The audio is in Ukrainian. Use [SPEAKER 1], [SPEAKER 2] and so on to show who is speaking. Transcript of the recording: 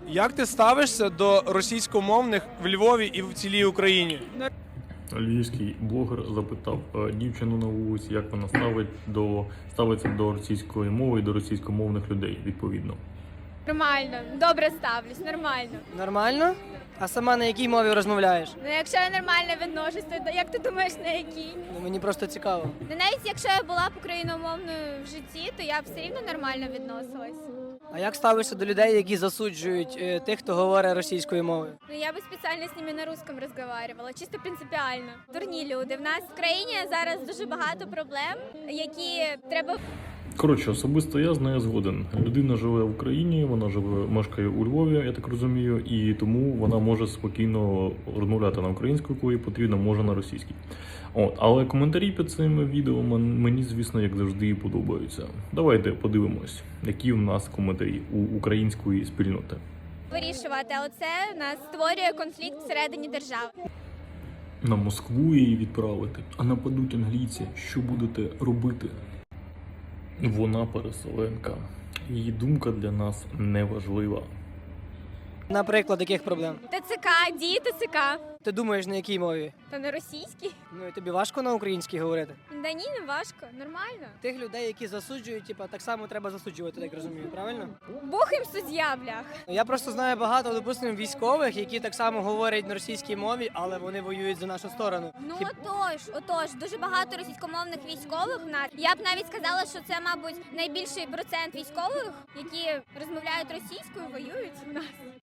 [SPEAKER 1] Як ти ставишся до російськомовних в Львові і в цілій Україні?
[SPEAKER 2] Львівський блогер запитав дівчину на вулиці, як вона ставиться до російської мови і до російськомовних людей, відповідно.
[SPEAKER 3] Нормально, добре ставлюсь, нормально.
[SPEAKER 4] Нормально? А сама на якій мові розмовляєш?
[SPEAKER 3] Ну якщо я нормально відношусь, то як ти думаєш, на якій?
[SPEAKER 4] Ну, мені просто цікаво.
[SPEAKER 3] Ну навіть якщо я була б україномовною в житті, то я б все рівно нормально відносилась.
[SPEAKER 4] А як ставишся до людей, які засуджують тих, хто говорить російською мовою?
[SPEAKER 3] Ну я би спеціально з ними на русском розмовляла, чисто принципіально. Дурні люди. В нас в країні зараз дуже багато проблем, які треба.
[SPEAKER 2] Коротше, особисто я з нею згоден. Людина живе в Україні, вона мешкає у Львові, я так розумію, і тому вона може спокійно розмовляти на українську, коли їй потрібно, може на російській. Але коментарі під цими відео мені, звісно, як завжди, подобаються. Давайте подивимось, які в нас коментарі у української спільноти.
[SPEAKER 3] Вирішувати, але це в нас створює конфлікт всередині держави.
[SPEAKER 2] На Москву її відправити, а нападуть англійці. Що будете робити? Вона переселенка. Її думка для нас не важлива.
[SPEAKER 4] Наприклад, яких проблем?
[SPEAKER 3] ТЦК, дії ТЦК.
[SPEAKER 4] Ти думаєш, на якій мові?
[SPEAKER 3] Та на російській?
[SPEAKER 4] Ну і тобі важко на українській говорити?
[SPEAKER 3] Да ні, не важко, нормально.
[SPEAKER 4] Тих людей, які засуджують, так само треба засуджувати, так розумію, правильно?
[SPEAKER 3] Бог їм суддя, блях.
[SPEAKER 4] Я просто знаю багато, допустимо, військових, які так само говорять на російській мові, але вони воюють за нашу сторону.
[SPEAKER 3] Ну отож, дуже багато російськомовних військових в нас. Я б навіть сказала, що це, мабуть, найбільший процент військових, які розмовляють російською, воюють в нас.